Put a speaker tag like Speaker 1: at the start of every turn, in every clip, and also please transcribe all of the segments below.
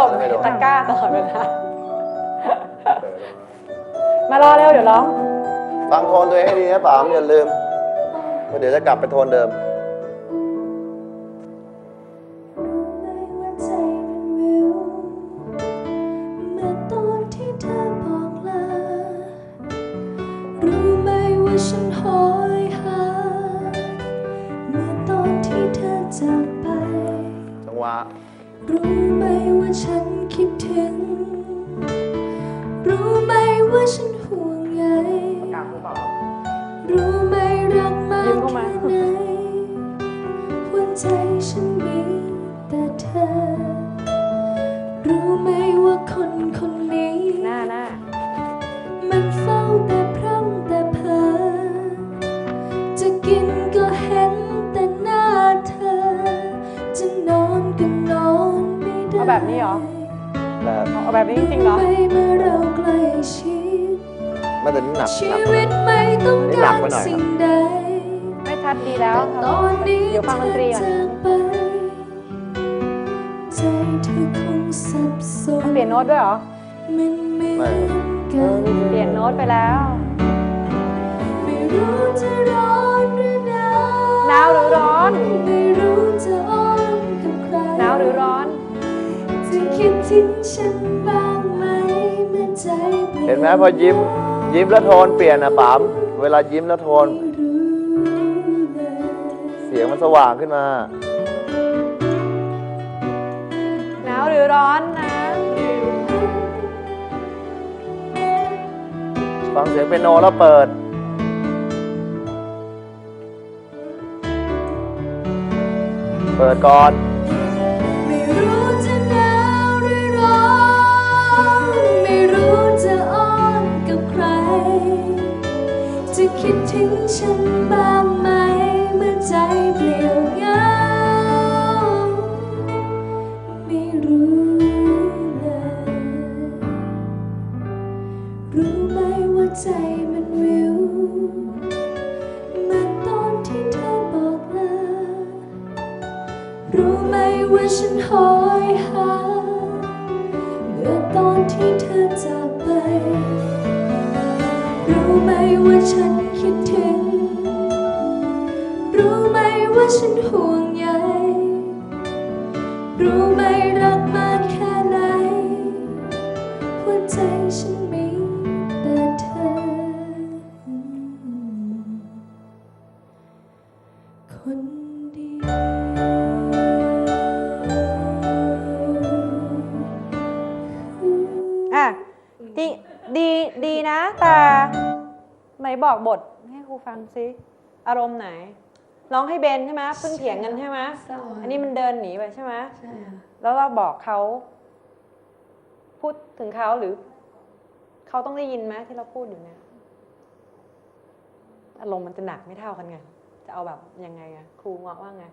Speaker 1: บตะกร้าตลอดเวลามารอเร็วเดี๋ยวร้อง
Speaker 2: ฟังโทนตัวเองให้ดีนะป๋ามอย่าลืมเดี๋ยวจะกลับไปโทนเดิม
Speaker 3: ฉันหอยหาเมื่อตอนที่เธอจากไป
Speaker 2: จังหวะ
Speaker 3: รู้ไหมว่าฉันคิดถึงรู้ไหมว่าฉันห่วงใยรู้ไหมรักมากแค่ไหนหัวใจฉันมีแต่เธอรู้ไหมว่าคนคนนี้
Speaker 1: หน้า
Speaker 3: มันเฝ้าแต่พร่ำแต่เพ้อจะกินก็เห็นแต่หน้าเธอจะนอนก็นอนไม่ได้
Speaker 1: เอาแบบนี้เหรอเอาแบบนี้จริงเหรอ
Speaker 3: เมื่อเราใกล้ชิด
Speaker 2: ไม่แต่นี่หนัก
Speaker 3: ชีวิตไม่ต้องการสิ่งใด
Speaker 1: ไม่ชัดดีแล้ว
Speaker 3: ตอนนี้
Speaker 1: เดี๋ยวฟังดนตรีก่อน
Speaker 3: ใจเธอคงสับสน
Speaker 1: เปลี่ยนโน้ตด้วยเหรอ
Speaker 3: มันไม่
Speaker 1: เปลี่ยนโน้ตไปแล้ว
Speaker 3: ไม่รู้จะร้อนหรือหน
Speaker 1: าวหรือร้อน
Speaker 3: ไม่รู้จะอ้อนกับใคร
Speaker 1: หนาวหรือร้อน
Speaker 3: จะคิดถึงฉันบ้างไหมเมื่อใจ
Speaker 2: เห็นไหมพอยิ้มแล้วโทนเปลี่ยนนะป๋ามเวลายิ้มแล้วโทนเสียงมันสว่างขึ้นมา
Speaker 1: หนาวหรือร้อนนะ
Speaker 2: ฟังเสียงเปียโนแล้วเปิดก่อน
Speaker 3: ไม่รู้จะหนาวหรือร้อนไม่รู้จะอ้อนกับใครจะคิดถึงฉันบ้างไหมเมื่อใจเปลี่ยวเหงาไม่รู้เลยรู้ไหมว่าใจมันวิวเมื่อตอนที่เธอบอกลารู้ไหมว่าฉันหอยหาเมื่อตอนที่เธอจากไปรู้ไหมว่าฉันคิดถึงรู้ไหมว่าฉันห่วงใยรู้ไหมรักมากแค่ไหนหัวใจฉันมีแต่เธอคนเดียว
Speaker 1: ดีนะแต่ไหนบอกบทให้ครูฟังซิอารมณ์ไหนร้องให้เบนใช่ไหมเพิ่งเถียงกันใช่ไหมอันนี้มันเดินหนีไปใช่ไหม
Speaker 3: ใช่
Speaker 1: แล้วเราบอกเขาพูดถึงเขาหรือเขาต้องได้ยินไหมที่เราพูดอยู่เนี่ยอารมณ์มันจะหนักไม่เท่ากันไงจะเอาแบบยังไงอะครูว่าไง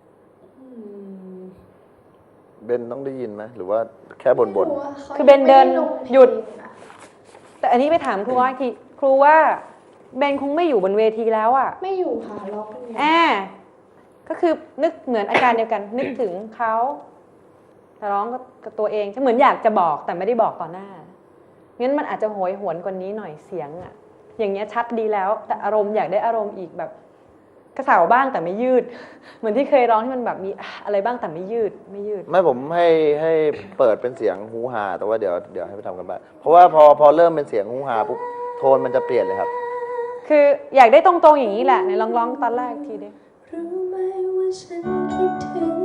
Speaker 2: เบนต้องได้ยินไหมหรือว่าแค่บ่น
Speaker 1: คือเบนเดินหยุดแต่อันนี้ไปถามครูว่าทีครูว่าเบนคงไม่อยู่บนเวทีแล้วอ่ะ
Speaker 3: ไม่อยู่ค่ะร้องเป็นไง
Speaker 1: ก็คือนึกเหมือนอาการเดียวกันนึกถึงเขาแต่ร้องกับตัวเองเหมือนอยากจะบอกแต่ไม่ได้บอกต่อหน้างั้นมันอาจจะโหยหวนกว่านี้หน่อยเสียงอ่ะอย่างเงี้ยชัดดีแล้วแต่อารมณ์อยากได้อารมณ์อีกแบบกระเสาบ้างแต่ไม่ยืดเหมือนที่เคยร้องที่มันแบบมีอะไรบ้างแต่ไม่ยืด
Speaker 2: ไม่ผมให้เปิดเป็นเสียงฮูฮาแต่ว่าเดี๋ยวให้ไปทำกันบ้างเพราะว่าพอเริ่มเป็นเสียงฮูฮาปุ๊บโทนมันจะเปลี่ยนเลยครับ
Speaker 1: คืออยากได้ตรงๆอย่างนี้แหละในร้องตอนแรกทีดิ
Speaker 3: รู้ไหมว่าฉันคิดถึง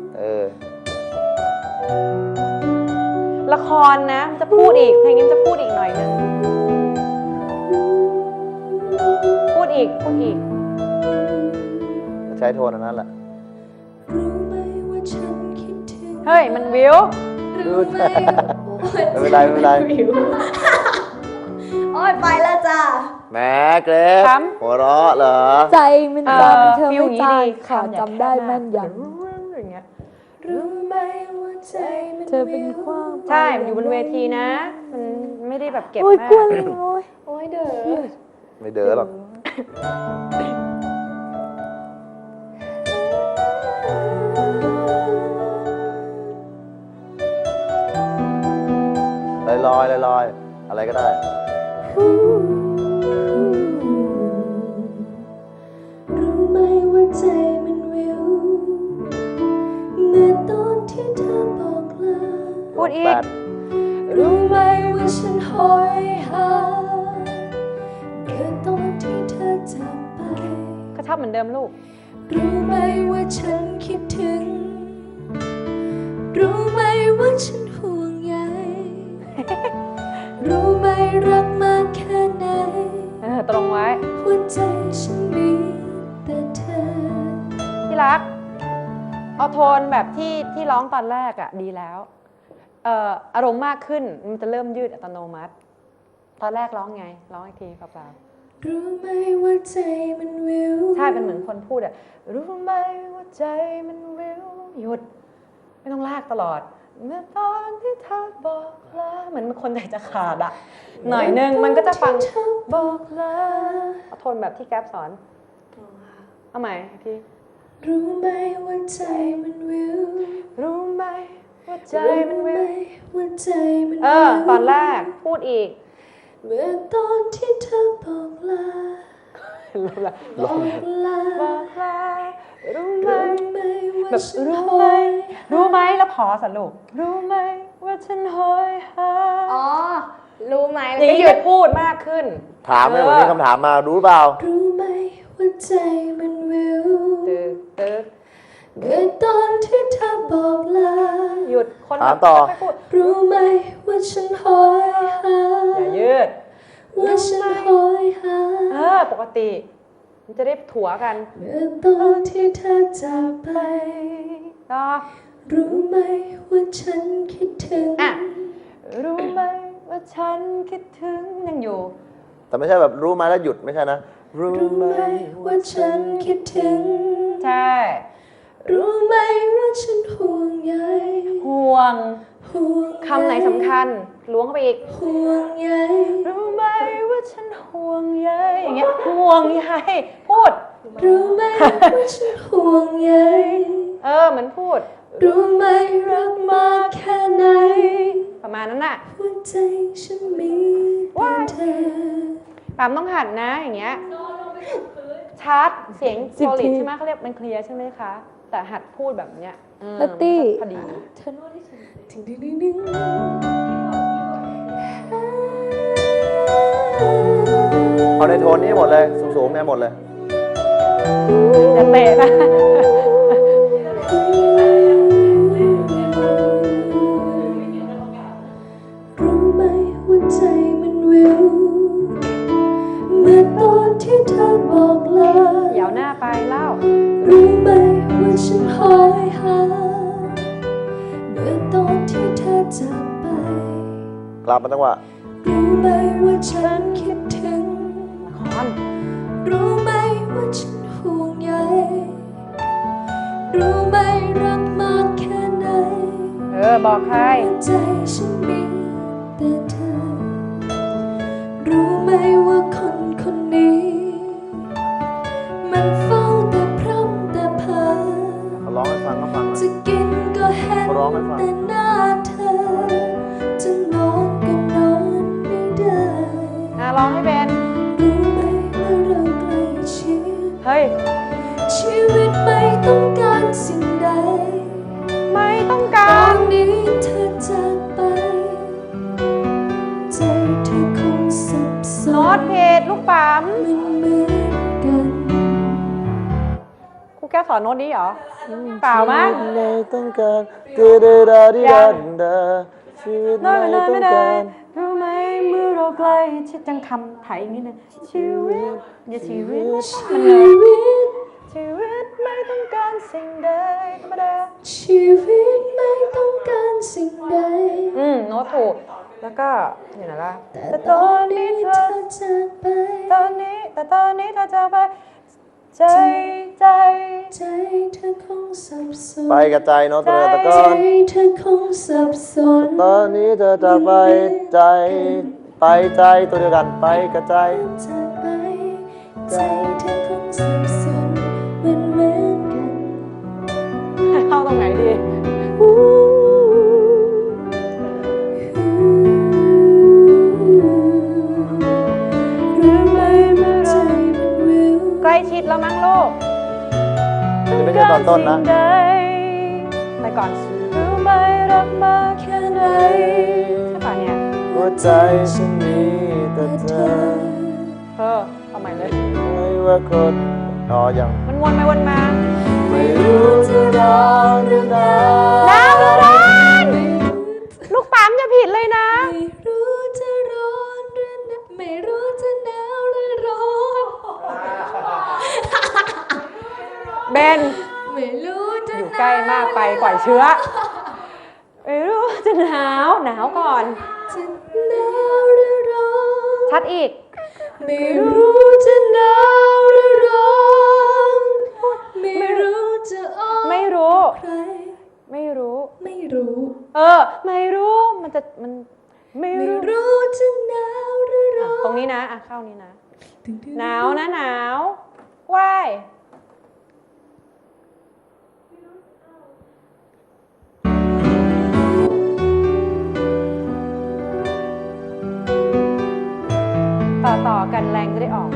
Speaker 1: ละครนะจะพูดอีกเพลงนี้จะพูดอีกหน่อยนึงพูดอีก
Speaker 2: ใช้โทนนั้นแหละ
Speaker 1: เฮ้ยมันวิว
Speaker 2: ไม่เป็นไร
Speaker 3: โอ้ยไปแล้วจ้า
Speaker 2: แม่เกรฟหัวเราะเหรอ
Speaker 3: ใจมันตามเธอไม่ตายค่ะจำได้แม่นยำรู้ไหมว่าใจมันเธอเป็นความ
Speaker 1: ใช่อยู่บนเวทีนะมันไม่ได้แบบเก็บมาก
Speaker 3: โอ้ยเด้อ
Speaker 2: ไม่เด้อหรอกลอยๆลอยๆอะไรก็ได้
Speaker 3: รู้ไหมว่าใจมันวิวเมื่อตอนที่เธอบอกลา
Speaker 1: พูดอี
Speaker 2: แป
Speaker 1: ก
Speaker 2: ด
Speaker 3: รู้ไหมว่าฉันหอยหาเมื่อตอนที่เธอจากไป
Speaker 1: ก็ชอบเหมือนเดิมลูก
Speaker 3: รู้ไหมว่าฉันคิดถึง รู้ไหมว่าฉันห่วงใย รู้ไหมรักมากแค่ไหน
Speaker 1: ตรงไว้
Speaker 3: หัวใจฉันมีแต่เธอ
Speaker 1: ที่รัก เอาโทนแบบที่ร้องตอนแรกอะดีแล้ว อารมณ์มากขึ้นมันจะเริ่มยืดอัตโนมัติ ตอนแรกร้องไง ร้องอีกทีเปล่า
Speaker 3: รู้ไหมว่าใจมันวิว
Speaker 1: ๆใช่เป็นเหมือนคนพูดอะรู้ไหมว่าใจมันวิวหยุด ไม่ต้องลากตลอด เมื่อตอนที่เธอบอกลาเหมือนคนใจจะขาดอะหน่อยนึงมันก็จะฟัง
Speaker 3: เธอบอกลา
Speaker 1: เอาโทนแบบที่แก๊ปสอน เอาใหม่พี่
Speaker 3: รู้ไหมว่าใจมันวิว
Speaker 1: รู้ไหมว่าใจมันวิว
Speaker 3: รู้ไหว่าใจมันวิว
Speaker 1: ตอนแรกพูดอีก
Speaker 3: เมื่อตอนที่เธอบอกลา บอกลา
Speaker 1: บอกลารู้ไหม
Speaker 3: รู้ไหมว่า
Speaker 1: แบบ
Speaker 3: ฉัน
Speaker 1: รู้
Speaker 3: ห
Speaker 1: ไหม
Speaker 3: อย
Speaker 1: รู้ไหมแล้วพอสรุปรู้ไหมว่าฉันหอยหา
Speaker 4: อ๋อ รู้ไหม
Speaker 1: อ
Speaker 4: แล้ว
Speaker 1: ย่าง
Speaker 4: ก็
Speaker 1: นี้
Speaker 4: หยุ
Speaker 1: จะ
Speaker 4: ด
Speaker 1: พูดมากขึ้น
Speaker 2: ถามเลยวันนี้คำถามมารู้เปล่า
Speaker 3: รู้ไหมว่าใจมันวิว
Speaker 1: ตึกตึก
Speaker 3: เมื่อตอนที่เธอบอกลา
Speaker 1: หยุดคน
Speaker 2: ถามต่อ
Speaker 1: ไม่พูด
Speaker 3: รู้ไหมว่าฉันหอยหา
Speaker 1: อย่ายืด
Speaker 3: ว่าฉันหอยหา
Speaker 1: ปกติ มันจะได้ถัวกัน
Speaker 3: เมื่อตอนที่เธอจากไป
Speaker 1: ต่อ
Speaker 3: รู้ไหมว่าฉันคิดถึง
Speaker 1: อ่ะ รู้ไหมว่าฉันคิดถึงยังอยู่
Speaker 2: แต่ไม่ใช่แบบรู้มาแล้วหยุดไม่ใช่นะ รู้
Speaker 3: รู้
Speaker 2: ไหม
Speaker 3: ไหมว่าฉันคิดถึง
Speaker 1: ใช่
Speaker 3: รู้ไหมว่าฉันห่วงใย
Speaker 1: ห่วง
Speaker 3: ห่วงใย
Speaker 1: คำไหนสำคัญล้วงเข้าไปอีก
Speaker 3: ห่วงใย
Speaker 1: รู้ไหมว่าฉันห่วงใยอย่างเงี้ยห่วงใยพูด
Speaker 3: รู้ไหมว่าฉันห่วงใย
Speaker 1: เหมือนพูด
Speaker 3: รู้ไหมรักมากแค่ไหน
Speaker 1: ประมาณนั้นน่ะ
Speaker 3: หัวใจฉันมีแต่เธอ
Speaker 1: ปามต้องหัดนะอย่างเงี้ยชาร์จเสียงโซลิดใช่ไหมเขาเรียกมันเคลียร์ใช่ไหมคะ แต่หัดพูดแบบเนี้ย
Speaker 4: นัตตี้
Speaker 1: พอดี
Speaker 3: เธอนวดให้ฉันถึงดึง
Speaker 2: เอาในโทนนี้หมดเลยสูงๆเนี่ยหมดเลย
Speaker 1: จะเตะนะ
Speaker 3: รู้ไหมว่าใจมันวิวเมื่อตอนที่เธอบอกลา
Speaker 1: เดี๋ยวหน้าไปเล่า
Speaker 3: รู้ไหมว่าฉันหอยหาเมื่อตอนที่เธอจากไป
Speaker 2: กลับมาจังหวะ
Speaker 3: รู้ไหมว่าฉันคิดถึง
Speaker 1: ละคร
Speaker 3: รู้ไหมว่าฉันห่วงใยรู้ไหมรักมากแค่ไหน
Speaker 1: บอกใคร
Speaker 3: หัวใจฉันมีแต่เธอ รู้ไหมว่าคนคนนี้ มันเฝ้าแต่พร่ำแต่เพ้อ
Speaker 2: เขาร้องให้ฟังก็ฟังหน่อย
Speaker 3: จะกินก็เห็น
Speaker 2: เขาร้องให้ฟัง
Speaker 3: แต่หน้าเธอ จะนอนก็นอนไม่ได้
Speaker 1: ร้องให้เป็น
Speaker 3: รู้ไหมว่าเราใกล้ชิด
Speaker 1: เฮ้ย
Speaker 3: ชีวิตไม่ต้องการสิ่งใด
Speaker 1: ไม่ต้อง
Speaker 3: ต
Speaker 1: กา
Speaker 3: อ
Speaker 1: ร
Speaker 3: นนี้เธอจากไป ใจเธอคงสับส
Speaker 1: โน้ต
Speaker 3: น
Speaker 1: เพจลูกปั๊ม
Speaker 3: มันเหมือนกัน
Speaker 1: ครูแก้วสอนโน้ตนี้เหรอ เปล่ามั้ง
Speaker 2: ไม่ต้องการดาดาดาดิดาดาชีวิต
Speaker 1: น้อย
Speaker 2: ไม่
Speaker 1: ไม่น้อย
Speaker 2: ต้อ
Speaker 1: ไม่
Speaker 2: ง
Speaker 1: ได้
Speaker 2: การ
Speaker 1: รู้ไหมเมื่อเราใกล้ชิดจังคำไทยนิดนึงชีวิตอย่าชีวิตมันเลยชีวิตไม่ต้องการสิ่งใดธรรมดา
Speaker 3: ชีวิตไม่ต้องการสิ่งใด
Speaker 1: โน้ตถูก แล้วก็อยู่ไหนล่ะ
Speaker 3: แต่ตอนนี้เธอจากไป
Speaker 1: ตอนนี้เธอจะไป ใจ
Speaker 3: ใจเธอคงสับสน
Speaker 2: ไปกับใจเนาะตัวตะก
Speaker 3: ใจ
Speaker 2: อน
Speaker 3: เธอคงสับสน
Speaker 2: ตอนนี้เธอจะไปใจไปใจตัวเดียวกันไปกับใจ
Speaker 3: จากไป ใจเธอคงสับสนเหมือนกัน
Speaker 1: เข้าตรงไหนดี
Speaker 3: อู้
Speaker 1: แล้วมั้งลูก
Speaker 2: อันนี้ไม่ใช่ตอนต้นนะ
Speaker 1: สิ่งใดไปก่อนรู้ไหมรักมากแค่ไหนใช่ป่ะเนี่ย
Speaker 2: หัวใจฉันมีแต่เธอ
Speaker 1: เอาใหม่เลย
Speaker 2: ไม่ว่าคนอ๋อยัง
Speaker 1: มันวนไปวนมา
Speaker 2: ไม่รู้จะร้อนหรือหนาว
Speaker 1: หนาวหรือร้อนลูกปั๊มจะผิดเลยนะ
Speaker 3: ไม่รู้จะร้อนหรือหนาวไม่รู้จะหนาวหรือร้อน
Speaker 1: เบน
Speaker 3: ไม่รู้จะ
Speaker 1: อยู่ใกล้มากไปปล่อยเชื้อไม่รู้จะหนาวก่อน
Speaker 3: จะหนาวหรือร้อน
Speaker 1: ชัดอีก
Speaker 3: ไม่รู้จะหนาวหรือร้อนไม่รู้จะอ้อน
Speaker 1: ไม่รู้
Speaker 3: ใคร
Speaker 1: ไม่รู้
Speaker 3: ไม่รู้
Speaker 1: ไม่รู้มันไม่
Speaker 3: ไม่
Speaker 1: รู้
Speaker 3: รู้จะหนาวหรือร้อน
Speaker 1: ตรงนี้นะเข้านี้นะ
Speaker 3: ตึงๆ
Speaker 1: หนาวนะหนาวว่ายต่อกันแรงจะได้ออก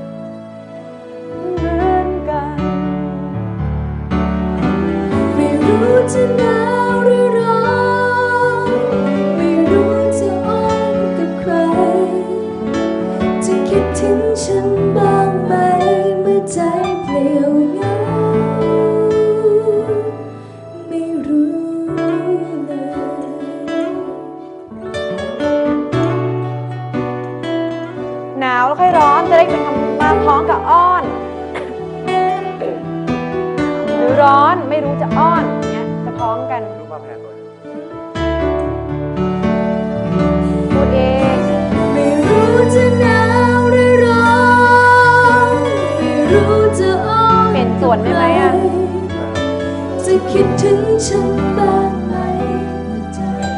Speaker 1: เหมือนกัน
Speaker 3: ไม่รู้จะหนาวหรือร้อนไม่รู้จะอ้อนกับใคร จะคิดถึงฉันบ้างไหมเมื่อใจเปลี่ยวเหงาไม่รู้เลย
Speaker 1: หนาวแล้วค่อยร้อนจะได้เป็นคำมาพ้องกับอ้อน หรือร้อนไม่รู้จะอ้อนเนี้ยจะพ้องกัน
Speaker 2: รู้มาแพงเลย
Speaker 1: พูดเอง
Speaker 3: ไม่รู้จะหนาวหรือร้อนไม่รู้จะอ้อน
Speaker 1: เปลี่ยนส่วนได้ไหมอะ
Speaker 3: จะคิดถึงฉันบ้างไหมเมื่อใจ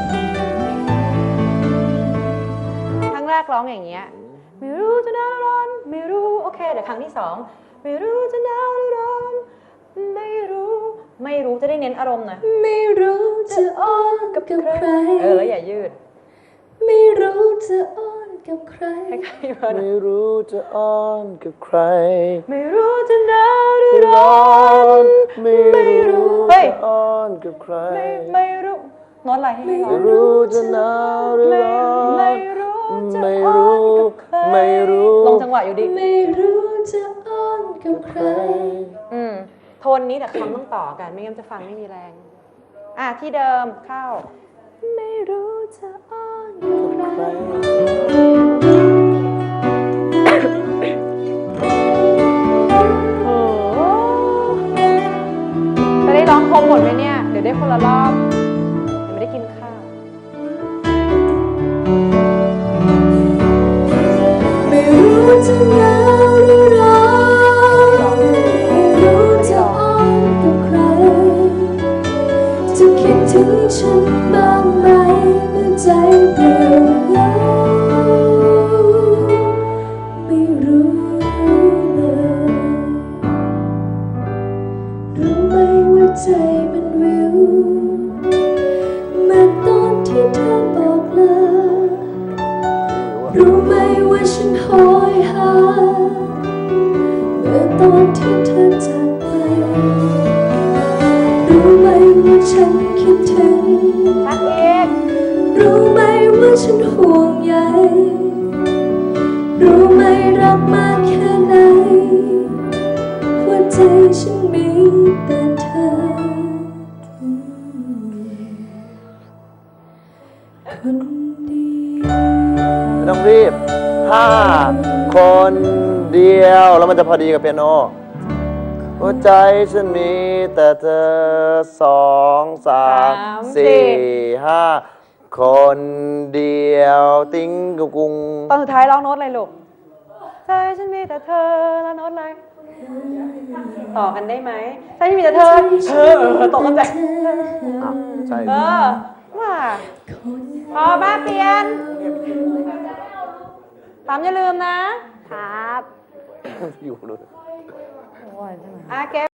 Speaker 1: ครั้งแรกร้องอย่างเงี้ยไม่รู้จะหนาวหรือร้อนไม่รู้โอเคเดี๋ยวครั้งที่สองไม่รู้จะหนาวหรือร้อนไม่รู้จะได้เน้นอารมณ์หน่อย
Speaker 3: ไม่รู้จะอ้อนกับใคร
Speaker 1: แล้วอย่ายืด
Speaker 3: ไม่รู้จะอ้อนกับใคร
Speaker 1: คล้ายๆเพิ่น
Speaker 2: ไม่รู้จะอ้อนกับใคร
Speaker 1: ไม่รู้จะหนาวหรือร้
Speaker 2: ร้
Speaker 1: อ
Speaker 2: อน นไม่รู้
Speaker 1: เฮ้ย
Speaker 2: จะอ้อนกับใคร
Speaker 1: ไม่รู้โน้ตอะไรให้ร้อ
Speaker 2: ไม่
Speaker 1: ง
Speaker 2: รู้จะหนาวหรือร้อน
Speaker 1: ไม่รู้จะ
Speaker 2: ไม่
Speaker 1: อ้อ
Speaker 2: รู้
Speaker 1: นกับใคร
Speaker 2: ไม่รู้
Speaker 1: ลงจังหวะอยู่ดิ
Speaker 3: ไม่รู้จะอ้อนกับใคร
Speaker 1: โทนนี้แต่คำต้องต่อกันไม่งั้นจะฟังไม่มีแรง ที่เดิมเข้า ไม่รู้จะอ้อนกับใครโอ้โหจะได้ร้องครบหมดไหมเนี่ย เดี๋ยวได้คนละรอบเดี๋ยวไม่ได้กินข้าว
Speaker 3: ไม่รู้จะหนาวหรือร้อนไม่รู้จะอ้อนกับใคร จะคิดถึงฉันบ้างไหมเมื่อใจเปลี่ยวเหงาไม่รู้เลย รู้ไหมว่าใจมันวิวเมื่อตอนที่เธอบอกลา รู้ไหมว่าฉันโหยหาเมื่อตอนที่เธอจากไป รู้ไหมว่าฉันคิดถึง
Speaker 1: ชักเอง
Speaker 3: รู้ไหมว่าฉันห่วงใย รู้ไหมรักมากแค่ไหนหัวใจฉันมีแต่เธอคนเดียว
Speaker 2: ไม่ต้องรีบคนเดียวแล้วมันจะพอดีกับเปียโน หัวใจฉันมีแต่เธอ2 3 4 5คนเดียวติ้งกุกุง
Speaker 1: ตอนสุดท้ายร้องโน้ตอะไรลูกใจฉันมีแต่เธอแล้วโน้ตอะไร ต่อกันได้ไหมใจฉันมีแต่เธอตกกันใจ
Speaker 2: ใช่
Speaker 1: ว่าพอบ้าเปลี่ยนตามอย่าลืมนะ ครับ
Speaker 2: อยู่เลย
Speaker 1: เก็บ